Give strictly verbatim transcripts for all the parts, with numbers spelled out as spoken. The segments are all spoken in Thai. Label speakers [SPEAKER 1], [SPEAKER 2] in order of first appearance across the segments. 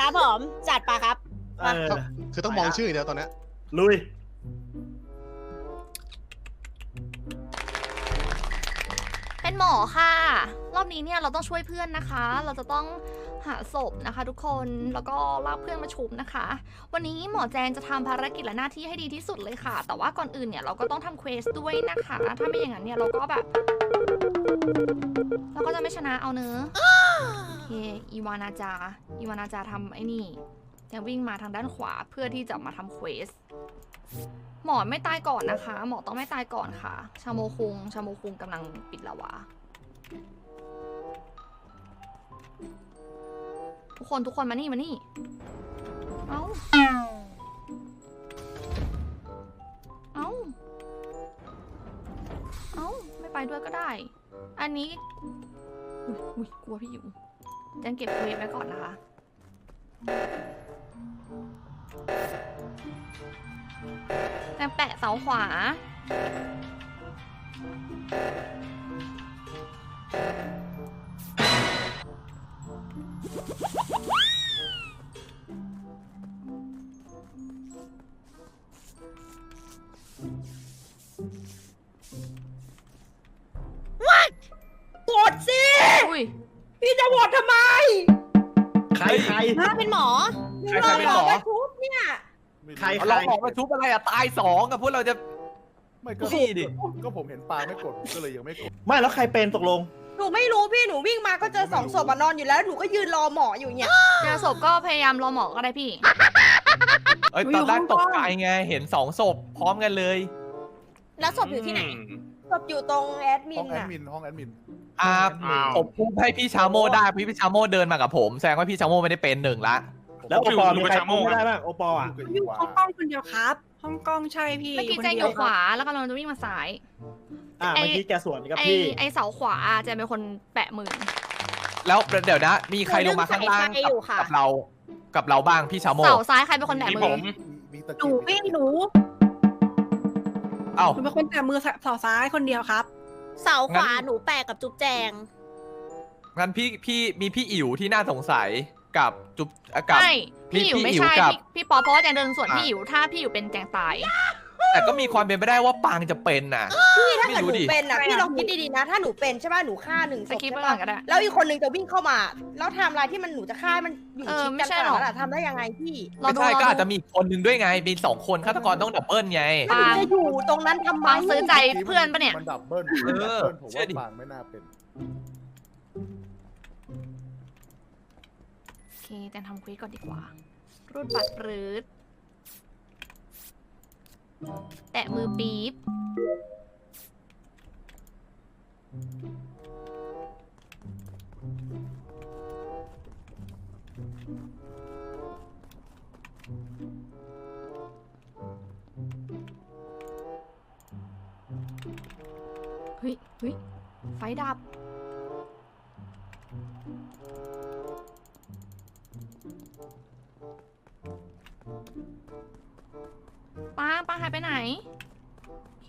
[SPEAKER 1] ครับผมจัดปะครับ
[SPEAKER 2] เออ
[SPEAKER 3] คือต้องมองชื่ออย่างเดียวตอนนี้
[SPEAKER 2] ลุย
[SPEAKER 4] เป็นหมอค่ะรอบนี้เนี่ยเราต้องช่วยเพื่อนนะคะ เราจะต้องหาศพนะคะ ทุกคนแล้วก็ลากเพื่อนมาชุบนะคะ วันนี้หมอแจงจะทำภารกิจและหน้าที่ให้ดีที่สุดเลยค่ะ แต่ว่าก่อนอื่นเนี่ยเราก็ต้องทำเควสด้วยนะคะ ถ้าไม่อย่างนั้นเนี่ยเราก็แบบเราก็จะไม่ชนะเอาเนอะโอเคอีวานาจาอีวานาจาทำไอ้นี่แจงวิ่งมาทางด้านขวาเพื่อที่จะมาทำเควสหมอไม่ตายก่อนนะคะ หมอต้องไม่ตายก่อนค่ะ ชาโมคุงชาโมคุงกำลังปิดละวะทุกคนทุกคนมานี่มานี่ เอ้า เอ้า เอ้าไม่ไปด้วยก็ได้ อันนี้ อุ้ยอุ้ยกลัวพี่อยู่แจงเก็บเวฟไว้ก่อนนะคะแจงแปะเสาขวา
[SPEAKER 1] โหวตสิ
[SPEAKER 4] อุ้ย
[SPEAKER 1] พี่จะโหวตทำไม
[SPEAKER 2] ใครใคร
[SPEAKER 1] ถ้าเป็นหมอ
[SPEAKER 5] ใครใครเป็นหมอ
[SPEAKER 1] ไปทุบเนี่ย
[SPEAKER 2] ใครใคร
[SPEAKER 5] เราออกมาทุบอะไรอะตายสองกับพวกเราจะ
[SPEAKER 6] ไม่ก็
[SPEAKER 5] พี่ดิ
[SPEAKER 6] ก็ผมเห็นปลาไม่กดผมก็เลยยังไม่กด
[SPEAKER 2] ไม่แล้วใครเป็นตกลง
[SPEAKER 1] หนูไม่รู้พี่หนูวิ่งมาก็เจอสองศพอะนอนอยู่แล้วหนูก็ยืนรอหมออยู่เนี่ย
[SPEAKER 4] เจอศพก็พยายามรอหมอก็ได้พี่
[SPEAKER 5] เอ้ยตอนแรกตกใจไงเห็นสองศพพร้อมกันเลย
[SPEAKER 1] แล้วศพอยู่ที่ไหนศพอยู่ตรงแอดมิ
[SPEAKER 6] ห้อน งแอด
[SPEAKER 1] อะ
[SPEAKER 6] มินห้องแอดมิน
[SPEAKER 5] อ่า
[SPEAKER 7] อ้าว
[SPEAKER 5] ผมพูดให้พี่ชาโมได้พี่ชาโมเดินมากับผมแสดงว่าพี่ชาโมไม่ได้เป็นหนึ่งละ
[SPEAKER 2] แล้วโอปอล์มีใคร
[SPEAKER 7] อยู่
[SPEAKER 2] พูดไม่ได้บ้างโอปอล์อ่ะ
[SPEAKER 6] อยู่กับ
[SPEAKER 8] อ
[SPEAKER 6] อี
[SPEAKER 8] ยู่
[SPEAKER 6] วา
[SPEAKER 8] ห้องกล้องคนเดียวครับ ห้องกล้องใช่พี่
[SPEAKER 4] เมื่อกี้
[SPEAKER 8] คน
[SPEAKER 4] แจงอ
[SPEAKER 8] เดียว
[SPEAKER 4] ยู่ขวาแล้วก็เราจะวิ่งมาซ้าย
[SPEAKER 2] อ่ะ
[SPEAKER 4] ไอ้
[SPEAKER 2] เมื่อกี้แกสวนกับ
[SPEAKER 4] ไอ
[SPEAKER 2] พี่
[SPEAKER 4] ไอเสาขวาแจงเป็นคนแปะมือ
[SPEAKER 5] แล้วเดี๋ยวนะ มีใครลงมาข้างล่างกับกับเรากับเราบ้างพี่ชาโม
[SPEAKER 4] เสาซ้ายใครเป็นคนแปะ
[SPEAKER 7] มี
[SPEAKER 4] มื
[SPEAKER 7] ผ
[SPEAKER 4] อ
[SPEAKER 7] ม
[SPEAKER 6] มีตะ
[SPEAKER 8] หนู
[SPEAKER 6] เกียบ
[SPEAKER 8] พี่หนู
[SPEAKER 5] เอ้า
[SPEAKER 8] หนูเป็นคนแต่มือเสาซ้ายคนเดียวครับ
[SPEAKER 1] เสาขวา
[SPEAKER 5] งั้น
[SPEAKER 1] หนูแปะกับจุ๊บแจง
[SPEAKER 5] งั้นพี่พี่มีพี่อิ๋วที่น่าสงสัยกับจุ๊บเอ่อกับ
[SPEAKER 4] ใช่พี่อิ๋ว
[SPEAKER 5] พี่
[SPEAKER 4] ไม่
[SPEAKER 5] อิ๋ว
[SPEAKER 4] ใช่
[SPEAKER 5] กับ
[SPEAKER 4] พี่พี่ปอเพราะว่าแจงเดินสวน
[SPEAKER 5] อ่ะ
[SPEAKER 4] พี่อิ๋วถ้าพี่อิ๋วเป็นแจงตาย
[SPEAKER 5] แต่ก็มีความเป็นไปได้ว่าปางจะเป็นน่ะ
[SPEAKER 1] พี่ถ้า
[SPEAKER 5] ไม่
[SPEAKER 1] เกิด
[SPEAKER 5] รู้
[SPEAKER 1] หนู
[SPEAKER 5] ดิ
[SPEAKER 1] เป็นอะ
[SPEAKER 8] ไม่
[SPEAKER 1] พี่
[SPEAKER 8] อะ
[SPEAKER 1] ลองคิดดีๆนะ ถ้าหนูเป็นใช่ป่ะหนูฆ่าหนึ่งศ
[SPEAKER 4] ส
[SPEAKER 1] พ
[SPEAKER 4] กิปไป
[SPEAKER 1] ใช่
[SPEAKER 4] ก่อ
[SPEAKER 1] ป่ะ
[SPEAKER 4] นก็ได้
[SPEAKER 1] แล้วอีกคนนึงจะวิ่งเข้ามา แล้วไทม์ไลน์ที่มันหนูจะฆ่ามันอยู่
[SPEAKER 4] เออ
[SPEAKER 1] ชิด
[SPEAKER 4] ไม่
[SPEAKER 1] กัน
[SPEAKER 4] ใช่
[SPEAKER 1] ข
[SPEAKER 4] หร
[SPEAKER 1] นา
[SPEAKER 4] อก
[SPEAKER 1] ดนั้นอะทำได้ยังไงพี่
[SPEAKER 4] รอ
[SPEAKER 5] ไม่
[SPEAKER 4] ดู
[SPEAKER 5] ใช่
[SPEAKER 4] ร
[SPEAKER 5] ก็
[SPEAKER 4] อ
[SPEAKER 5] อาจ
[SPEAKER 4] ดู
[SPEAKER 5] จะมีอีกคนหนึ่งด้วยไงมีสองคนฆาตกรต้องดับเบิลไง
[SPEAKER 1] แล้วหนูจะอยู่ตรงนั้นทำไม
[SPEAKER 4] ปางซื้อใจเพื่อนปะเนี่ย
[SPEAKER 6] มันดับเบิ้ล
[SPEAKER 5] เออ
[SPEAKER 6] ผม
[SPEAKER 5] เชื่อ
[SPEAKER 6] ว่า
[SPEAKER 5] ดิ
[SPEAKER 6] ปางไม่น่าเป็น
[SPEAKER 4] โอเคแจงทำควิสก่อนดีกว่า รูดบัตรรืดแตะมือปี๊บเฮ้ยเฮ้ยไฟดับ ป้าป้าหายไปไหน โอเค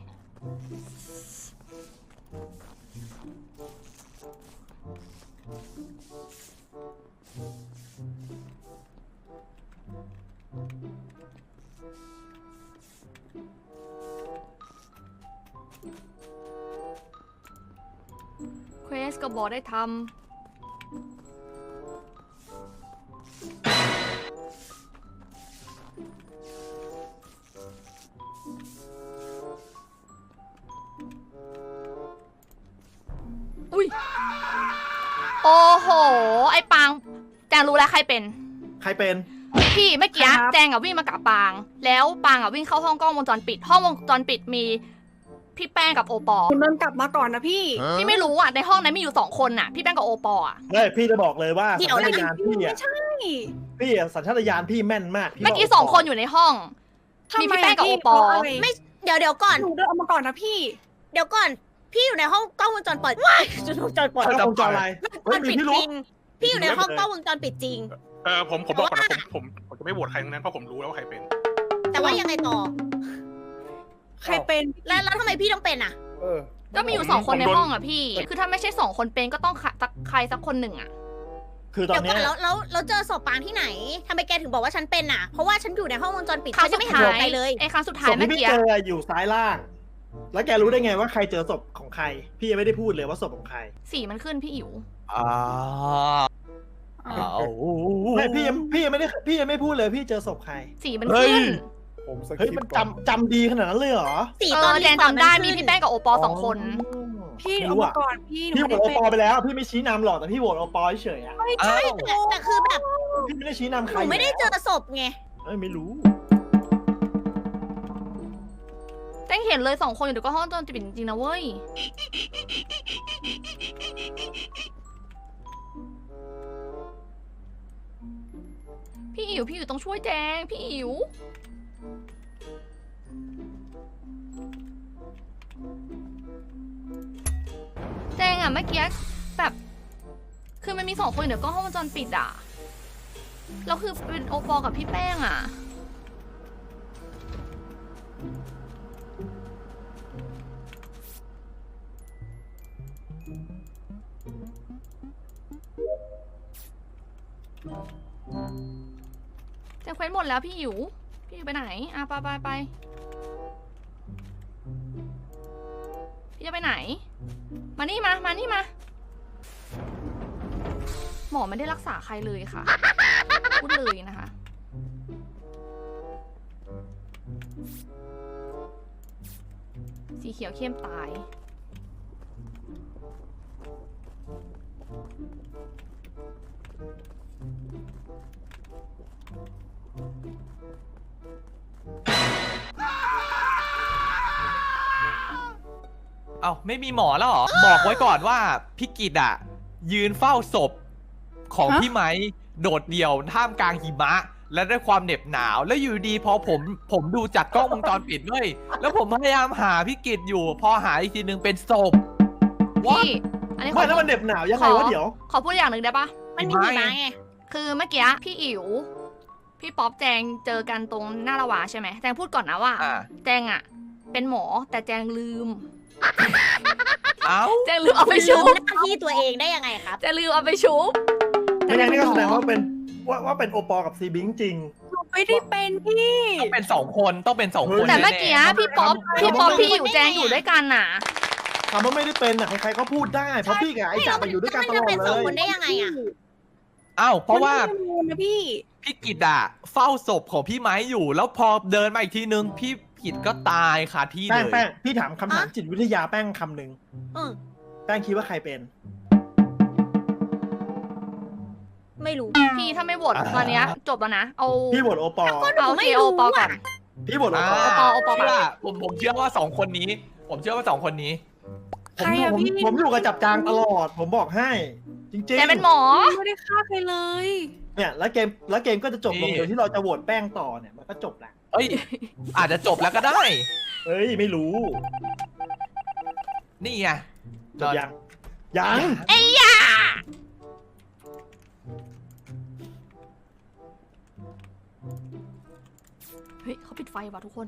[SPEAKER 4] เควสก็บอกได้ทำ อุ้ย โอ้โห ไอ้ปางแจงรู้แล้วใครเป็น
[SPEAKER 2] ใครเป็น
[SPEAKER 4] พี่เมื่อกี้
[SPEAKER 8] ครับ
[SPEAKER 4] แจงอะวิ่งมากับปาง แล้วปางอะวิ่งเข้าห้องกล้องวงจรปิด ห้องวงจรปิดมีพี่แป้งกับโอปอล์
[SPEAKER 8] คุณเดินกลับมาก่อนนะพี่
[SPEAKER 4] พี่ไม่รู้อะในห้องนั้นมีอยู่สองคนน่ะ พี่แป้งกับโอปอล์อะ
[SPEAKER 2] เฮ้ยพี่จะบอกเลยว่า
[SPEAKER 1] เดี๋
[SPEAKER 2] สั
[SPEAKER 1] ยว
[SPEAKER 2] ญ
[SPEAKER 1] นะ
[SPEAKER 2] ชาตญาณพี่
[SPEAKER 8] ไม่
[SPEAKER 2] อ่ะ
[SPEAKER 8] ใช่
[SPEAKER 2] พี่อะสัญชาตญาณพี่แม่นมากพี่
[SPEAKER 4] เมื่อกี้
[SPEAKER 2] บ
[SPEAKER 4] สองคนอยู่ในห้อง มีพี่แป้งกับโอปอล์
[SPEAKER 8] ทำไมะพี่
[SPEAKER 1] ไม่เดี๋ยวเดี๋ยวก่อน
[SPEAKER 8] หนูเดินออกมาก่อนนะพี่
[SPEAKER 1] เดี๋ยวก่อน พี่อยู่ในห้องกล้องวงจรปิดว้ายวงจรปิด
[SPEAKER 2] กล้องวงจรอะไร
[SPEAKER 1] วงจรปิดจริง พี่อยู่ในห้องกล้องวงจรปิดจริง
[SPEAKER 7] เออผมผมบอกก่อนนะผมผมผมจะไม่โหวตใครทั้งนั้นเพราะผมรู้แล้วว่าใครเป็น
[SPEAKER 1] แต่ว่ายังไงต่อ
[SPEAKER 8] ใครเป็น
[SPEAKER 1] แล้วแล้วทำไมพี่ต้องเป็นอะ
[SPEAKER 6] เออ
[SPEAKER 4] ก็มีอยู่สองคนในห้องอะพี่ คือถ้าไม่ใช่สองคนเป็นก็ต้องใครสักใครสักคนหนึ่งอะ
[SPEAKER 2] คือตอ
[SPEAKER 3] เดี๋
[SPEAKER 2] น
[SPEAKER 3] ยวก่
[SPEAKER 2] เนี้
[SPEAKER 3] อย นแล้วแล้วแล้วเจอศพปางที่ไหนทำไมแกถึงบอกว่าฉันเป็นอ่ะ เพราะว่าฉันอยู่ในห้องวงจรปิด
[SPEAKER 4] ครั้
[SPEAKER 3] ฉั
[SPEAKER 4] ง
[SPEAKER 3] น
[SPEAKER 4] สุ
[SPEAKER 3] จะ
[SPEAKER 4] ด
[SPEAKER 3] ไม่เห็น
[SPEAKER 4] ท้า
[SPEAKER 3] ศพ
[SPEAKER 4] ย
[SPEAKER 3] ใครเลย
[SPEAKER 4] ไอ้ครั้งสุดท้า
[SPEAKER 2] ศ
[SPEAKER 4] ย
[SPEAKER 2] พ
[SPEAKER 4] เมื่
[SPEAKER 2] ที่
[SPEAKER 4] อ
[SPEAKER 2] พี่
[SPEAKER 4] กี้
[SPEAKER 2] เจออยู่ซ้ายล่าง แล้วแกรู้ได้ไงว่าใครเจอศพของใคร พี่ยังไม่ได้พูดเลยว่าศพของใคร
[SPEAKER 4] สีมันขึ้นพี่อิ๋ว
[SPEAKER 5] อ้าวอ้าว
[SPEAKER 2] ไม่พี่ยังพี่ยังไม่ได้พี่ยังไม่พูดเลยพี่เจอศพใคร
[SPEAKER 4] สีมัน
[SPEAKER 5] เฮ้ย
[SPEAKER 4] ขึ้น
[SPEAKER 6] ผมส
[SPEAKER 2] เฮ้ย
[SPEAKER 6] กิป
[SPEAKER 2] มัน
[SPEAKER 6] ก่อน
[SPEAKER 2] จำจำดีขนาดนั้นเลยเหรอ
[SPEAKER 3] สี
[SPEAKER 4] เอ
[SPEAKER 3] ตอน
[SPEAKER 4] อ
[SPEAKER 3] นี้
[SPEAKER 4] แจงจำได้มี
[SPEAKER 3] ขึ้น
[SPEAKER 4] พี่แป้งกับโอปอสองคน
[SPEAKER 8] พี่
[SPEAKER 2] ไม่
[SPEAKER 8] เอา
[SPEAKER 2] รู้
[SPEAKER 8] มา
[SPEAKER 2] อะ
[SPEAKER 8] ก่อนพี่หนู
[SPEAKER 2] พี่โหว
[SPEAKER 8] ไม่
[SPEAKER 2] ต
[SPEAKER 8] ได้
[SPEAKER 2] โอ
[SPEAKER 8] เป็น
[SPEAKER 2] ปอไปแล้ว พี่ไม่ชี้นำหรอกแต่พี่โหวตโอปอเฉยๆอ่ะ
[SPEAKER 8] ไม่
[SPEAKER 5] อ้า
[SPEAKER 8] ใช่
[SPEAKER 5] ว
[SPEAKER 3] แต่แต่คือแบบ
[SPEAKER 2] พี่ไม่ได้ชี้นำใค
[SPEAKER 3] ห
[SPEAKER 2] ร
[SPEAKER 3] นูไม่ได้เจอศพไง
[SPEAKER 2] เอ้ยไม่รู้
[SPEAKER 4] แจ้งเห็นเลยสองคนอยู่เดี๋ยวก็ห้องจนปิดจริงๆนะเว้ย พี่อิ๋วพี่อิ๋วต้องช่วยแจงพี่อิ๋วแจงอะเมื่อกี้แบบ คือมันมีสองคนอยู่เดี๋ยวก็ห้องวงจรปิดอะแล้วคือเป็นโอปอกับพี่แป้งอะแจงเควสหมดแล้วพี่อิ๋วพี่อิ๋วไปไหนอ่ะไปไปไปพี่จะไปไหน มานี่มา มานี่มา หมอไม่ได้รักษาใครเลยค่ะ พูดเลยนะคะ สีเขียวเข้มตาย
[SPEAKER 5] เอ้าไม่มีหมอแล้วเหรอ บอกไว้ก่อนว่าพี่กิตอ่ะ ยืนเฝ้าศพของพี่ไม้โดดเดี่ยวท่ามกลางหิมะ และด้วยความเหน็บหนาว แล้วอยู่ดีพอผมผมดูจากกล้องวงจรปิดเลยแล้วผมพยายามหาพี่กิตอยู่ พอหาอีกทีนึงเป็นศพ
[SPEAKER 4] พี่ อันนี้ข
[SPEAKER 2] ไม่
[SPEAKER 4] อ
[SPEAKER 2] แล้วมันเหน็บหนาวยังไงวะเดี๋ยว
[SPEAKER 4] ขอพูดอย่างหนึ่งได้ปะ
[SPEAKER 3] มันมีหิมะไง
[SPEAKER 4] คือเมื่อกี้พี่อิ๋วพี่ป๊อปแจงเจอกันตรงหน้าละวาใช่ไหมแจงพูดก่อนนะว่า
[SPEAKER 5] อ่า
[SPEAKER 4] แจงอะเป็นหมอแต่แจงลืม
[SPEAKER 5] เอ้า
[SPEAKER 4] แจงลืมเอาไปชุบ
[SPEAKER 3] หน้าที่ตัวเองได้ยังไงครับ
[SPEAKER 4] แจงลืมเอาไปชุบ
[SPEAKER 2] ไม่งั้นนี่ก็แสดงว่าเป็นว่าว่าเป็นโอปอกับซีบิงจริง
[SPEAKER 8] หนูไม่ได้เป็นพี่
[SPEAKER 5] ต้องเป็นสองคนต้องเป็นสองคน
[SPEAKER 4] แต่เมื่อกี้
[SPEAKER 5] แน่
[SPEAKER 4] พี่ป๊อปพี่ป๊อปพี่อิ๋วแจงอยู่ด้วยกันน่ะ
[SPEAKER 2] คำว่าไม่ได้เป็นอ่ะใครๆก็พูดได้ เพราะพี่กับไอ้จ่าไปอยู่ด้วยกันตลอด
[SPEAKER 3] มันจะเป็น
[SPEAKER 2] เล
[SPEAKER 3] สอง
[SPEAKER 2] ย
[SPEAKER 3] คนได้ยังไงอะ
[SPEAKER 5] ๆอ้าวเพราะว่า
[SPEAKER 8] มันไม่ได้เป็นนะพี่
[SPEAKER 5] พี่กิตอะเฝ้าศพของพี่ไม้อยู่ แล้วพอเดินมาอีกทีนึงพี่กิตก็ตายคาที่
[SPEAKER 2] แป้
[SPEAKER 5] เล
[SPEAKER 2] ง
[SPEAKER 5] ย
[SPEAKER 2] แป้งพี่ถามคำถามจิตวิทยาแป้งคำหนึ่ง
[SPEAKER 3] เออ
[SPEAKER 2] แป้งคิดว่าใครเป็น
[SPEAKER 3] ไม่รู้
[SPEAKER 4] พี่ถ้าไม่โหวตตอนเนี้ยจบแล้วนะ เอา
[SPEAKER 2] พี่โหวตโอปอ
[SPEAKER 3] ก็หนู
[SPEAKER 4] เอา
[SPEAKER 3] ไม่
[SPEAKER 4] เคโอ
[SPEAKER 3] รู้
[SPEAKER 4] ปอก่อน
[SPEAKER 3] อะ
[SPEAKER 2] พี่โหวตโอ
[SPEAKER 5] อ่า
[SPEAKER 2] ปอ
[SPEAKER 4] โอปอโอปอ
[SPEAKER 5] เชื่อผมผมเชื่อว่าสองคนนี้ ผมเชื่อว่าสองคนนี้
[SPEAKER 2] ผม
[SPEAKER 8] ใครอะ
[SPEAKER 2] ผม
[SPEAKER 8] พี่
[SPEAKER 2] ผมอยู่กับจับจางตลอด ผมบอกให้ จริง
[SPEAKER 4] แจงเป็นหมอ
[SPEAKER 8] ไม่ได้ฆ่าใครเลย
[SPEAKER 2] ๆเนี่ยแล้วเกมแล้วเกมก็จะจบลง
[SPEAKER 5] นี่
[SPEAKER 2] โดยที่เราจะโหวตแป้งต่อเนี่ยมันก็จบแหละ
[SPEAKER 5] เอ้ย อาจจะจบแล้วก็ได้
[SPEAKER 2] เอ้ยไม่รู้
[SPEAKER 5] นี่ไง
[SPEAKER 2] จบยังยัง
[SPEAKER 4] ไอ้ยาเฮ้ยเขาปิดไฟว่ะทุกคน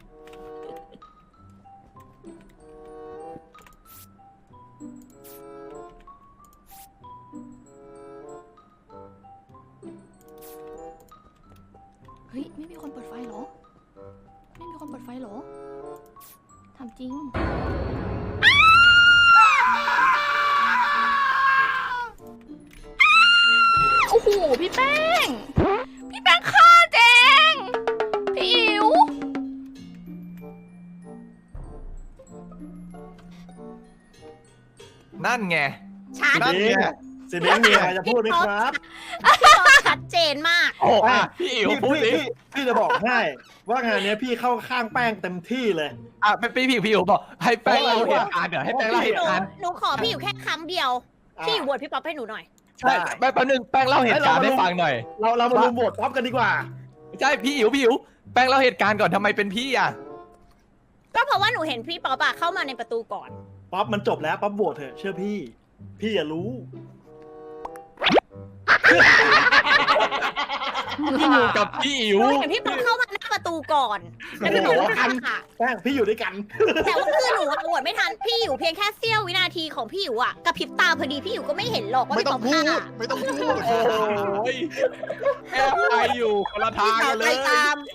[SPEAKER 4] เฮ้ย ไม่มีคนเปิดไฟเหรอ ไม่มีคนเปิดไฟเหรอทำจริง โอ้โห พี่แป้ง พี่แป้งฆ่าแจง พี่อิ๋ว
[SPEAKER 5] นั่นไง
[SPEAKER 3] ชัด
[SPEAKER 5] นั่นไง
[SPEAKER 2] สิเลี้ยงมีอะไรจะพูดไหมครับ
[SPEAKER 3] พี่ป๊อปชัดเจนมาก
[SPEAKER 5] โอ้อ่ะพี่อิ๋ว
[SPEAKER 2] พี่
[SPEAKER 5] พูดดิ
[SPEAKER 2] พี่พี่จะบอกให้ ว่างานเนี้ยพี่เข้าข้างแป้งเต็มที่เลย
[SPEAKER 5] อ่ะไปพี่พี่พี่อิ๋วบอกให้แป้งเล่าเหตุการณ์เดี๋ยวให้แป้งเล่าเห
[SPEAKER 3] ห
[SPEAKER 5] ตุ
[SPEAKER 3] นู
[SPEAKER 5] การณ์
[SPEAKER 3] หนูขอพี่อยู่แค่คำเดียว
[SPEAKER 2] อ่ะ
[SPEAKER 3] พี่อยู่บวชพี่ป๊อปให้หนูหน่อย
[SPEAKER 5] ใช่แป๊บนึงแป้งเล่าเหตุการณ์ให้ฟังหน่อย
[SPEAKER 2] เราเรามารุมโหวตท็อปกันดีกว่า
[SPEAKER 5] ใช่พี่อิ๋วพี่อิ๋วแป้งเล่าเหตุการณ์ก่อนทำไมเป็นพี่อ่ะ
[SPEAKER 3] ก็เพราะว่าหนูเห็นพี่ป๊อปอะเข้ามาในประตูก่อน
[SPEAKER 2] ป๊อปมันจบแล้วป๊อปโหวตเถอะเชื่อพี่ พี่อย่ารู้
[SPEAKER 5] พี่อยู่กับพี่อิ๋ว
[SPEAKER 3] หนูเห็นพี่ป๊อปเข้ามาหน้าประตูตูก่อนแล้วพี่หมอก็ฆ่าค่ะ
[SPEAKER 2] แป้งพี่อยู่ด้วยกัน
[SPEAKER 3] แต่ว่าคือหนูอะโหวตไม่ทันพี่อยู่เพียงแค่เสี้ยววินาทีของพี่อยู่อะกระพริบตาพอดีพี่อยู่ก็ไม่เห็นหรอกว่า
[SPEAKER 9] ไม่
[SPEAKER 3] พี่
[SPEAKER 9] ต้
[SPEAKER 3] ต
[SPEAKER 9] อ
[SPEAKER 3] อง บ
[SPEAKER 9] พู
[SPEAKER 3] ฆ่า
[SPEAKER 9] ด ไม่ต้องพูด
[SPEAKER 5] โอ้ยแอบไปอยู่คนละทาง
[SPEAKER 1] พี่สาว
[SPEAKER 5] กันเล
[SPEAKER 1] ใจ
[SPEAKER 5] ย
[SPEAKER 1] ตาม